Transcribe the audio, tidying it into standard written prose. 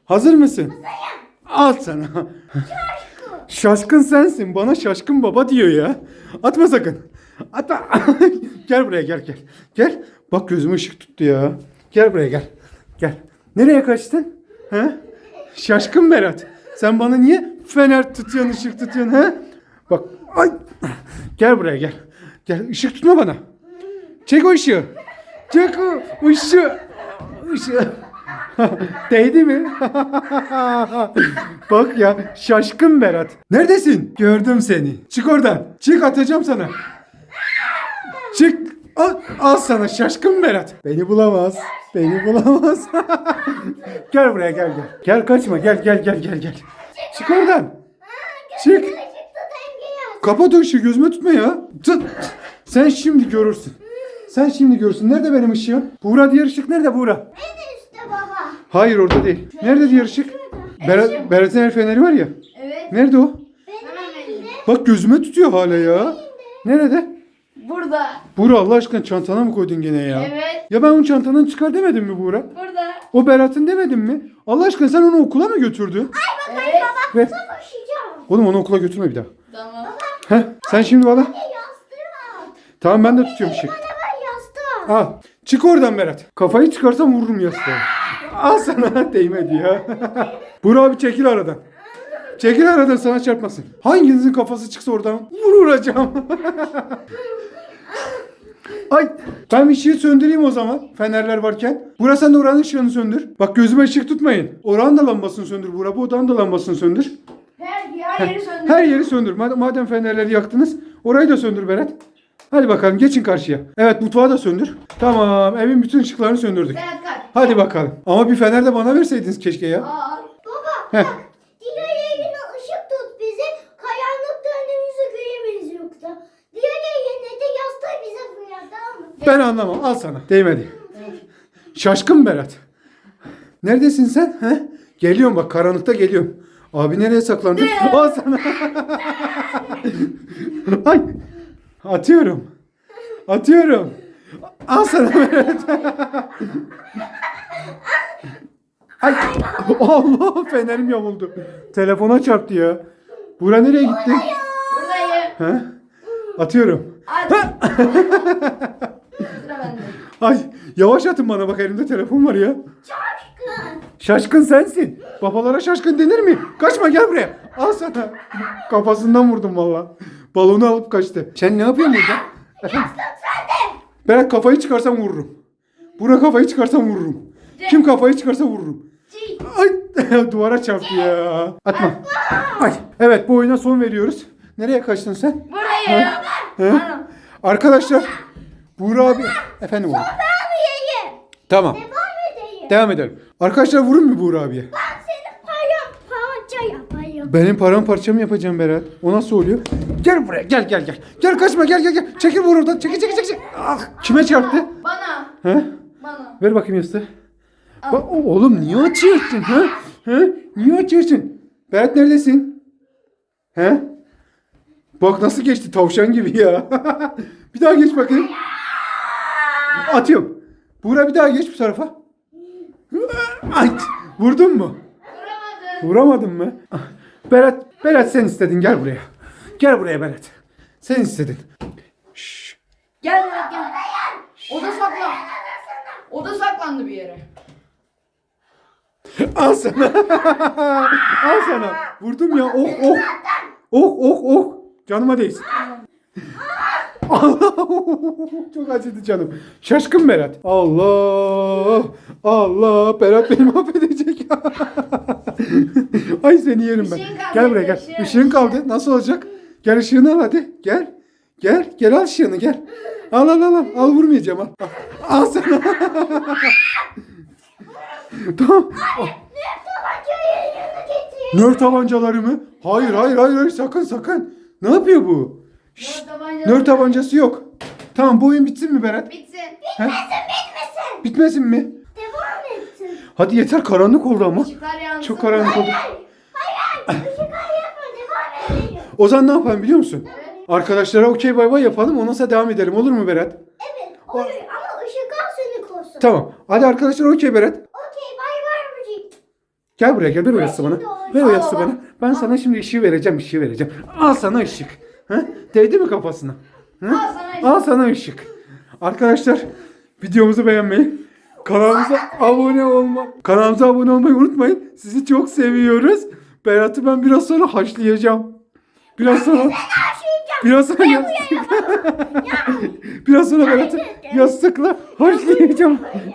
Hazır mısın? Al sana. Şaşkın sensin. Bana şaşkın baba diyor ya. Atma sakın. Atma. Gel buraya gel gel. Gel. Bak gözüme ışık tuttu ya. Gel buraya gel. Gel. Nereye kaçtın? He? Şaşkın Berat. Sen bana niye fener tutuyorsun, ışık tutuyorsun he? Bak. Ay. Gel buraya gel. Gel ışık tutma bana. Çek o ışığı. Çek o ışığı. Işığı. Değdi mi? Bak ya şaşkın Berat. Neredesin? Gördüm seni. Çık oradan. Çık atacağım sana. Çık. Al sana şaşkın Berat. Beni bulamaz. Beni bulamaz. Gel buraya gel gel. Gel kaçma gel gel gel gel gel. Çık oradan. Çık. Kapat o ışığı gözüme tutma ya. Tut. Sen şimdi görürsün. Sen şimdi görürsün. Nerede benim ışığım? Buğra diğer ışık nerede Buğra? Nerede işte baba? Hayır orada değil. Nerede diğer ışık? Berat'ın el feneri var ya. Evet. Nerede o? Benim elimde. Bak gözüme tutuyor hala ya. Nerede? Burada. Buğra Allah aşkına çantana mı koydun gene ya? Evet. Ya ben onun çantandan çıkar demedim mi Buğra? Burada. O Berat'ın demedim mi? Allah aşkına sen onu okula mı götürdün? Evet. Ver. Koşacağım. Oğlum onu okula götürme bir daha. Tamam. Heh, sen şimdi bana. Yastığı al. Tamam ben de tutuyorum ışık. Bana ver yastığı al. Al. Çık oradan Berat. Kafayı çıkarsam vururum yastığa. Al sana değmedi ya. Buğra abi çekil aradan. Çekil aradan sana çarpmasın. Hanginizin kafası çıksa oradan vuracağım. Ay ben ışığı söndüreyim o zaman fenerler varken. Buğra sen de oranın ışığını söndür. Bak gözüme ışık tutmayın. Oranın da lambasını söndür Buğra. Bu odanın da lambasını söndür. Her yeri söndür. Her yeri söndür. Madem fenerleri yaktınız orayı da söndür Berat. Hadi bakalım geçin karşıya. Evet mutfağı da söndür. Tamam evin bütün ışıklarını söndürdük. Berat kaç. Hadi bakalım. Ama bir fener de bana verseydiniz keşke ya. Aa. Baba Heh. bak. Diğer yerine ışık tut bizi. Karanlıkta önümüzü göremeyiz yoksa. Diğer yerine de yastığı bize fırlat tamam mı? Ben anlamam. Al sana. Değmedi. Şaşkın Berat. Neredesin sen? He? Geliyorum bak karanlıkta geliyorum. Abi nereye saklandı? Al sana. Ay. Atıyorum. Atıyorum. Al sana Berat. Ay. Allah fenerim yamuldu. Telefona çarptı ya. Buğra nereye gitti? Buradayım. He? Atıyorum. Hadi. Sıra bende. Ay yavaş atın bana bak elimde telefon var ya. Şaşkın. Şaşkın sensin. Babalara şaşkın denir mi? Kaçma gel buraya. Al sana. Kafasından vurdum valla. Balonu alıp kaçtı. Sen ne yapıyorsun burada? Efendim? Yastık sende. Berat kafayı çıkarsam vururum. Burak kafayı çıkarsam vururum. Kim kafayı çıkarsa vururum. Ay duvara çarptı ya. Atma. Ay evet bu oyuna son veriyoruz. Nereye kaçtın sen? Buradayım. He? Anam. Arkadaşlar Buğra abi. Efendim oğlum. Ben yiyeyim. Tamam. Devam edeyim. Devam edelim. Arkadaşlar vurun mu Buğra abiye? Ben senin paramparça yaparım. Benim paramparça mı yapacağım Berat? O nasıl oluyor? Gel buraya gel gel gel. Gel kaçma gel gel gel. Çekil vur oradan. Çekil çekil çekil. Ah kime çarptı? Bana. He? Bana. Ver bakayım yastığı. Bak oğlum niye açıyorsun ha? He? Niye açıyorsun? Berat neredesin? He? Bak nasıl geçti tavşan gibi ya. Bir daha geç bakayım. Atıyorum. Buğra bir daha geç bu tarafa. Ay, vurdun mu? Vuramadım. Vuramadın mı? Berat sen istedin gel buraya. Gel buraya Berat. Sen istedin. Şşş. Gel Berat gel. Oda saklan. Oda saklandı bir yere. Al sana. Al sana. Vurdum ya. Oh oh. Oh oh oh. Canıma değsin. Allah. Çok acıdı canım. Şaşkın Berat. Allah. Allah. Berat beni mahvedecek. Ay seni yerim ben. Işığın kaldı, Gel buraya gel. ışığın. Işığın kaldı. Nasıl olacak? Gel ışığını al hadi. Gel. Gel. Gel al ışığını gel. Al al al. Al vurmayacağım al. Al, al sana. Tamam. Tabancayı yanına getir. Nör tabancaları mı? Hayır hayır hayır hayır sakın sakın. Ne yapıyor bu? Şşt, nör tabancası yok. Tamam bu oyun bitsin mi Berat? Bitsin. He? Bitmesin. Bitmesin mi? Devam etsin. Hadi yeter karanlık oldu ama. Işıklar yansın. Çok karanlık oldu. Hayır. Işıklar yapma. Devam edelim. O zaman ne yapalım biliyor musun? Arkadaşlara okey bay bay yapalım ondan sonra devam edelim olur mu Berat? Evet. Olur ama ışıklar seni korusun. Tamam. Hadi arkadaşlar okey Berat. Okey. Bay bay müzik. Gel buraya gel. Ver o yastığı bana. Ver o Al yastığı baba. bana. Ben sana şimdi ışığı vereceğim. Al sana ışık. Ha? Değdi mi kafasına? Ha? Al sana ışık. Al sana ışık. Arkadaşlar videomuzu beğenmeyi, kanalımıza abone olmayı unutmayın. Sizi çok seviyoruz. Berat'ı ben biraz sonra haşlayacağım. Biraz sonra Berat'ı yastıkla haşlayacağım.